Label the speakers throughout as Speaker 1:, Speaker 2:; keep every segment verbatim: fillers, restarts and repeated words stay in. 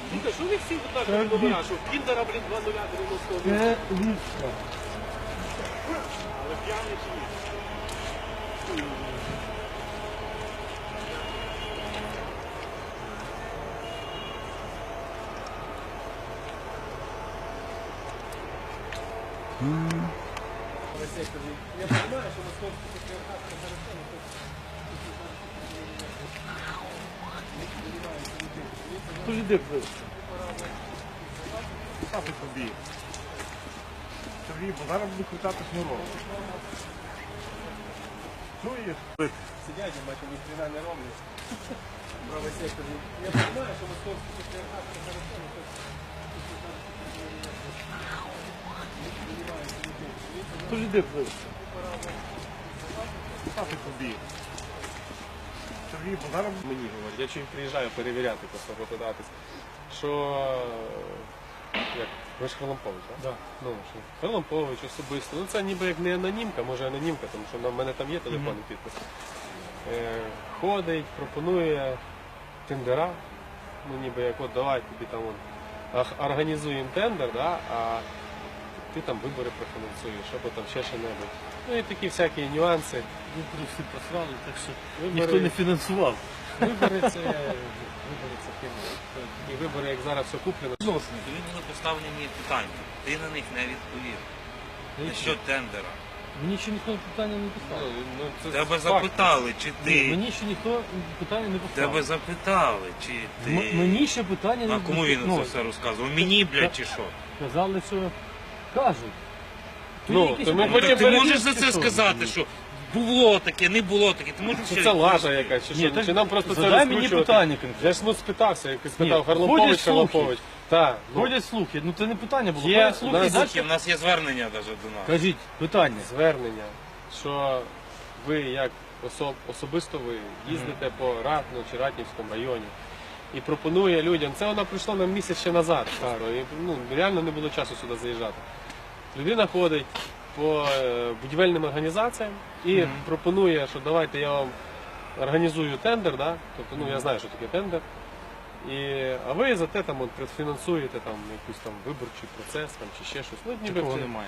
Speaker 1: Ну так, що ви всі однакові номера, що в Кіндера, блін, два нуля дев'яносто один.
Speaker 2: Це ліпше.
Speaker 1: Але п'яний чи ні? Я понимаю, що московський патріархат це зараз
Speaker 2: Хто ж іде вбив?
Speaker 3: Сафи тобі. Сергій, бо зараз буду крутати шнурок. Чуєш?
Speaker 1: сидять, я бачу, ні хрена не роблять. Правий сектор. Я понимаю, що московський патріархат це зараз
Speaker 2: Хто ж іде вбив?
Speaker 3: Сафи тобі. Сергій, бо зараз
Speaker 1: мені говорять. Я чим приїжджаю перевіряти, просто попитатись, що як ви ж Харлампович, так?
Speaker 2: Да.
Speaker 1: Ну, що Харлампович особисто. Ну це ніби як не анонімка, може анонімка, тому що в мене там є телефонний mm-hmm. підпис. Е, ходить, пропонує тендера. Ну ніби як от давай тобі там он, організуємо тендер, да, а ти там вибори профінансуєш, або там ще що-небудь. Ну і такі всякі нюанси.
Speaker 2: Вибори всі просрали, так що
Speaker 1: Вибори-
Speaker 2: ніхто не фінансував.
Speaker 1: Вибори це вибори це фірма. І вибори, як зараз все куплено.
Speaker 4: Тобі були поставлені питання, ти на них не відповів. Що тендера?
Speaker 2: Мені ще ніхто питання не
Speaker 1: Ну,
Speaker 2: поставив.
Speaker 1: ну, це
Speaker 4: Тебе
Speaker 1: факт.
Speaker 4: запитали, чи
Speaker 2: Ні,
Speaker 4: ти.
Speaker 2: Мені ще ніхто питання не поставив.
Speaker 4: Тебе запитали, чи
Speaker 2: М-
Speaker 4: ти.
Speaker 2: Мені ще питання не
Speaker 4: А кому він
Speaker 2: ну,
Speaker 4: це все розказував? Мені, блядь, чи що?
Speaker 2: Казали, що кажуть. Тут
Speaker 1: Ну,
Speaker 2: якісь
Speaker 1: то ми
Speaker 2: питання.
Speaker 1: потім
Speaker 4: Так ти можеш
Speaker 1: перевірки,
Speaker 4: за це
Speaker 1: що?
Speaker 4: сказати, що було таке, не було таке. Ти можеш
Speaker 1: Чи
Speaker 4: ще
Speaker 1: це лажа
Speaker 4: розповісти?
Speaker 1: якась, чи
Speaker 2: Ні,
Speaker 1: що?
Speaker 2: так
Speaker 1: Чи нам просто це
Speaker 2: задай мені
Speaker 1: розкручувати?
Speaker 2: питання конкретно.
Speaker 1: Я ж ну спитався, як спитав
Speaker 2: Ні,
Speaker 1: Харлампович,
Speaker 2: ходять слухи.
Speaker 1: Харлампович. Так, ну,
Speaker 2: Ходять слухи, ну це не питання було.
Speaker 1: Є,
Speaker 2: Ходять слухи,
Speaker 1: у
Speaker 2: і
Speaker 1: нас
Speaker 2: далі
Speaker 4: Слухай, в нас є звернення навіть до нас.
Speaker 2: кажіть питання.
Speaker 1: звернення, що ви як особ, особисто ви їздите по Ратну чи Ратнівському районі і пропонує людям, це вона прийшла нам місяць ще назад, Каро, і ну, реально не було часу сюди заїжджати. Людина ходить по е, будівельним організаціям і
Speaker 2: Мгм.
Speaker 1: пропонує, що давайте я вам організую тендер, да? Тобто, ну я знаю, що таке тендер. І, а ви за те там от, предфінансуєте там якийсь там виборчий процес там, чи ще щось. Ну, ніби
Speaker 2: Такого
Speaker 1: це-
Speaker 2: немає.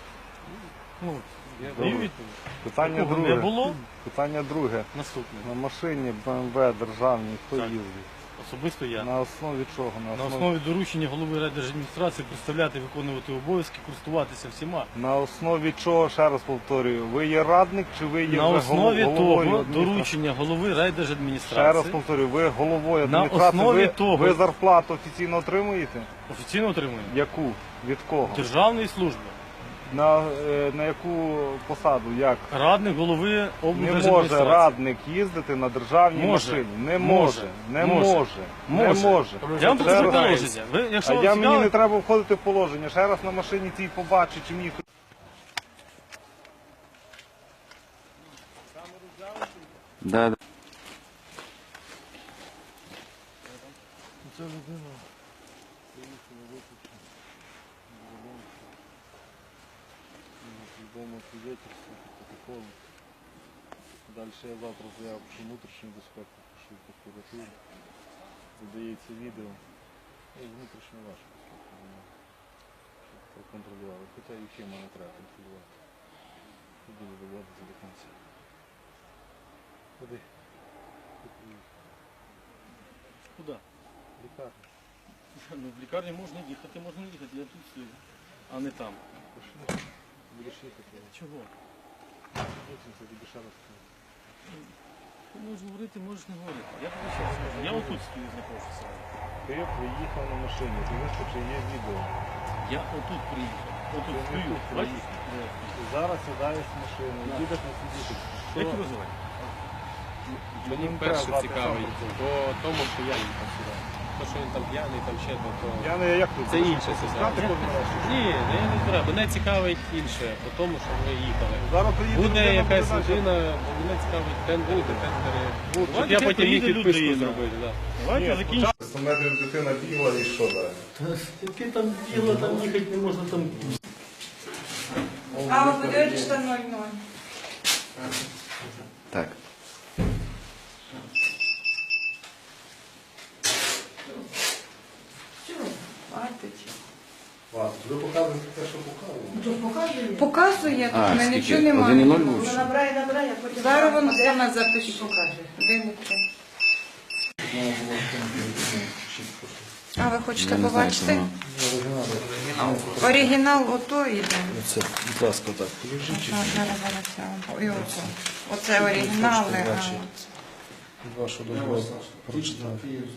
Speaker 2: Ну,
Speaker 1: Я
Speaker 2: даю
Speaker 3: Добре.
Speaker 2: відповідь.
Speaker 3: питання
Speaker 2: Такого
Speaker 3: друге.
Speaker 2: не було.
Speaker 3: Питання друге.
Speaker 2: Наступне.
Speaker 3: На машині Б М В державній хто
Speaker 2: Так.
Speaker 3: їздить?
Speaker 2: Особисто я.
Speaker 3: На основі чого?
Speaker 2: На основі доручення голови райдержадміністрації представляти, виконувати обов'язки, користуватися всіма.
Speaker 3: На основі чого, ще раз повторюю, ви є радник чи ви є
Speaker 2: На
Speaker 3: вже
Speaker 2: основі
Speaker 3: голов-
Speaker 2: того
Speaker 3: головою адміністрації?
Speaker 2: доручення голови
Speaker 3: Ще раз
Speaker 2: райдержадміністрації
Speaker 3: повторюю, ви головою
Speaker 2: На
Speaker 3: адміністрації,
Speaker 2: основі
Speaker 3: ви,
Speaker 2: того-
Speaker 3: ви зарплату офіційно отримуєте?
Speaker 2: офіційно отримує
Speaker 3: Яку? Від кого?
Speaker 2: державної служби.
Speaker 3: На, е, на яку посаду? Як?
Speaker 2: Радник голови
Speaker 3: Не
Speaker 2: облдержадміністрації.
Speaker 3: може радник їздити на державній
Speaker 2: Може.
Speaker 3: машині. Не
Speaker 2: Може.
Speaker 3: може. Не
Speaker 2: Може.
Speaker 3: може. Не
Speaker 2: Може.
Speaker 3: може.
Speaker 2: Я вам
Speaker 3: Ще
Speaker 2: покажу
Speaker 3: раз.
Speaker 2: положення. Ви, якщо
Speaker 3: А
Speaker 2: вам
Speaker 3: я
Speaker 2: цікаво,
Speaker 3: мені не треба входити в положення. Ще раз на машині цій побачу, чи мені.
Speaker 5: Да, да.
Speaker 3: Це людина приїхала виключно. Відомо свідетельство, протокол. Далі я завтра заяву про внутрішню безпеку, пишу в прокуратуру. Задається відео. І внутрішню вашу безпеку. вона, Щоб проконтролювали. Хоча і ще мене треба контролювати. І буду доводити до кінця. Куди?
Speaker 2: Куди?
Speaker 3: Лікарня.
Speaker 2: Ну, в лікарні можна їхати, можна не їхати, я тут стою, а не там.
Speaker 3: Пошли. Будеш їхати.
Speaker 2: Чого?
Speaker 3: Потім це тобі ще раз скажу.
Speaker 2: Ти можеш говорити, можеш не говорити. Я тобі ще раз скажу. Я отут стою, знаходжуся.
Speaker 3: Ти приїхав на машині, ти вискочив, є відео.
Speaker 2: Я отут приїхав. Отут
Speaker 3: Ти
Speaker 2: стою.
Speaker 3: тут
Speaker 2: Бачиш?
Speaker 3: приїхав. Ти зараз сідаєш в машину,
Speaker 2: Да.
Speaker 3: їдеш на сидіти.
Speaker 2: Як тебе звати?
Speaker 1: Мені
Speaker 3: Ну,
Speaker 1: перше
Speaker 3: треба
Speaker 1: цікавить
Speaker 3: знати,
Speaker 1: по тому, що я їхав сюди. То, що він там п'яний, там ще то, то...
Speaker 3: Я не як тут.
Speaker 1: Це інше
Speaker 3: Знати
Speaker 1: ситуація.
Speaker 3: кожен раз.
Speaker 1: Ні, не, не треба. Мене цікавить інше, по тому, що ви їхали.
Speaker 3: Зараз приїде
Speaker 1: Буде
Speaker 3: людина,
Speaker 1: якась
Speaker 3: буде далі.
Speaker 1: людина, бо мене цікавить тендери, тендери. Щоб
Speaker 2: Давайте
Speaker 1: я
Speaker 2: хай
Speaker 1: потім міг
Speaker 2: приїде
Speaker 1: підписку
Speaker 2: людина.
Speaker 1: зробити. Да.
Speaker 2: Давайте
Speaker 3: Ні,
Speaker 2: закінчимо.
Speaker 3: спочатку сто метрів дитина бігла і що далі?
Speaker 2: Яке там діло, там їхати не можна там.
Speaker 6: А вы говорите, что ноль-ноль.
Speaker 5: Так.
Speaker 6: хватить.
Speaker 3: Ладно, ви показуєте те, що показуєте.
Speaker 6: Показує,
Speaker 5: А,
Speaker 6: тут ми
Speaker 5: скільки?
Speaker 6: нічого немає.
Speaker 5: Один і ноль лучше?
Speaker 6: Набирай, набирай, я потім. Зараз воно саме запишу. Покаже. Один і три. А ви хочете
Speaker 5: Я не знаю,
Speaker 6: побачити?
Speaker 5: що воно.
Speaker 6: Оригінал ото йде.
Speaker 3: Це, будь ласка, так, полежіть.
Speaker 6: Зараз, зараз, зараз я вам. І ото. Оце оригінали. а
Speaker 3: Бачите. Від вашого дозволу прочитаю.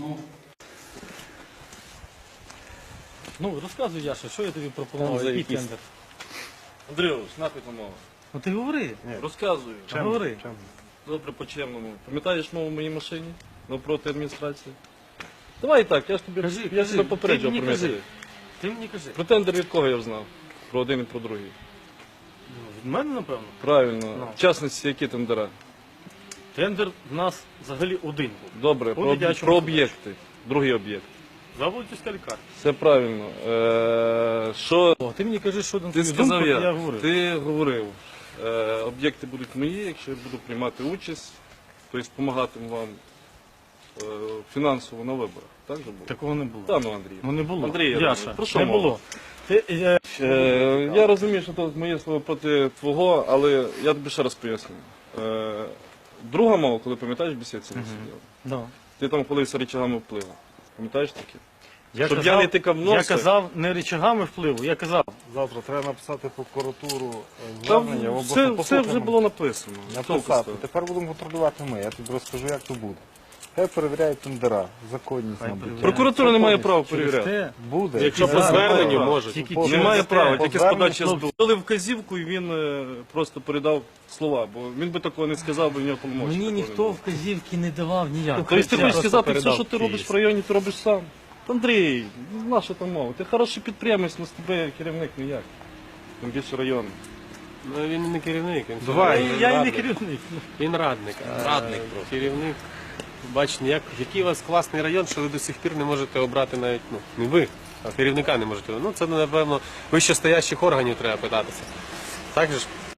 Speaker 2: Ну, розказуй, Яша, що я тобі
Speaker 3: Там
Speaker 2: пропонував,
Speaker 3: за
Speaker 2: який
Speaker 3: якісь-
Speaker 2: тендер?
Speaker 3: Андрійович, напити мову.
Speaker 2: Ну ти говори.
Speaker 3: Розказую.
Speaker 2: Та говори.
Speaker 3: Добре, по-чемному. Пам'ятаєш мову в моїй машині? Навпроти адміністрації? Давай так, я ж тобі
Speaker 2: Кажи,
Speaker 3: я
Speaker 2: кажи,
Speaker 3: тебе
Speaker 2: ти
Speaker 3: попереджував
Speaker 2: мені
Speaker 3: про
Speaker 2: кажи.
Speaker 3: методи.
Speaker 2: Ти мені кажи.
Speaker 3: Про тендер від кого я знав? Про один і про другий.
Speaker 2: Ну, від мене, напевно.
Speaker 3: Правильно.
Speaker 2: Ну.
Speaker 3: В частності, які тендера?
Speaker 2: Тендер в нас взагалі один був.
Speaker 3: Добре,
Speaker 2: По
Speaker 3: про,
Speaker 2: дитячому
Speaker 3: про
Speaker 2: садочку.
Speaker 3: об'єкти. Другий об'єкт.
Speaker 2: Заводівська лікарня.
Speaker 3: Все правильно. Е, що
Speaker 2: О, ти мені кажи, що на
Speaker 3: ти
Speaker 2: твою
Speaker 3: сказав
Speaker 2: думку,
Speaker 3: я?
Speaker 2: я говорив.
Speaker 3: Ти говорив. Е, об'єкти будуть мої, якщо я буду приймати участь, тобто допомагати вам е, фінансово на виборах. Так же було?
Speaker 2: Такого не було.
Speaker 3: Та ну, Андрій.
Speaker 2: Ну не було.
Speaker 3: Андрій, я
Speaker 2: Яша,
Speaker 3: розумію. Про що
Speaker 2: не
Speaker 3: мова?
Speaker 2: було. Ти, е,
Speaker 3: Е, я розумію, що це моє слово проти твого, але я тобі ще раз поясню. Е, друга мова, коли пам'ятаєш, бесідці не сиділа.
Speaker 2: да.
Speaker 3: Ти там колився речагами впливу. Пам'ятаєш таке?
Speaker 2: Я
Speaker 3: Щоб
Speaker 2: казав,
Speaker 3: я не тикав
Speaker 2: Я
Speaker 3: носа.
Speaker 2: казав не речагами впливу, я казав.
Speaker 7: Завтра треба написати прокуратуру е,
Speaker 3: Там
Speaker 7: звернення. або
Speaker 3: все,
Speaker 7: просто
Speaker 3: все вже
Speaker 7: послухаємо.
Speaker 3: було написано.
Speaker 7: Написати. Тепер будемо контролювати ми. Я тобі розкажу, як то буде. Хай перевіряють тендера, законність,
Speaker 2: Хай
Speaker 7: мабуть.
Speaker 2: перевіряють.
Speaker 3: Прокуратура не має права
Speaker 2: Через
Speaker 3: перевіряти.
Speaker 2: те,
Speaker 7: Буде.
Speaker 1: Якщо по
Speaker 2: Зараз
Speaker 1: зверненню
Speaker 2: немає.
Speaker 1: можуть.
Speaker 2: Тільки
Speaker 7: По-
Speaker 2: через
Speaker 3: Немає
Speaker 2: те,
Speaker 3: права,
Speaker 7: по
Speaker 3: тільки з
Speaker 7: зверненню
Speaker 3: подачі
Speaker 2: хлопці.
Speaker 3: СБУ. Дали вказівку і він е, просто передав слова, бо він би такого не сказав, бо в нього полномочі.
Speaker 2: Мені
Speaker 3: такого не
Speaker 2: ніхто
Speaker 3: було.
Speaker 2: вказівки не давав ніяк.
Speaker 3: Тобто ти
Speaker 2: Я
Speaker 3: хочеш
Speaker 2: просто
Speaker 3: сказати, все,
Speaker 2: передав
Speaker 3: що ти робиш
Speaker 2: Київ.
Speaker 3: в районі, ти робиш сам. Андрій, наша там мова. Ти хороший підприємець, але з тебе керівник ніяк. Тим більше район.
Speaker 1: Ну, він не керівник, він,
Speaker 2: Давай,
Speaker 1: він
Speaker 2: я і не
Speaker 1: радник.
Speaker 2: керівник.
Speaker 1: Він радник. а
Speaker 4: Радник просто.
Speaker 1: Керівник. Бачите, як, який у вас класний район, що ви до сих пір не можете обрати навіть, ну, не ви, а керівника не можете. Ну, це, напевно, вищестоящих органів треба питатися. Так же ж?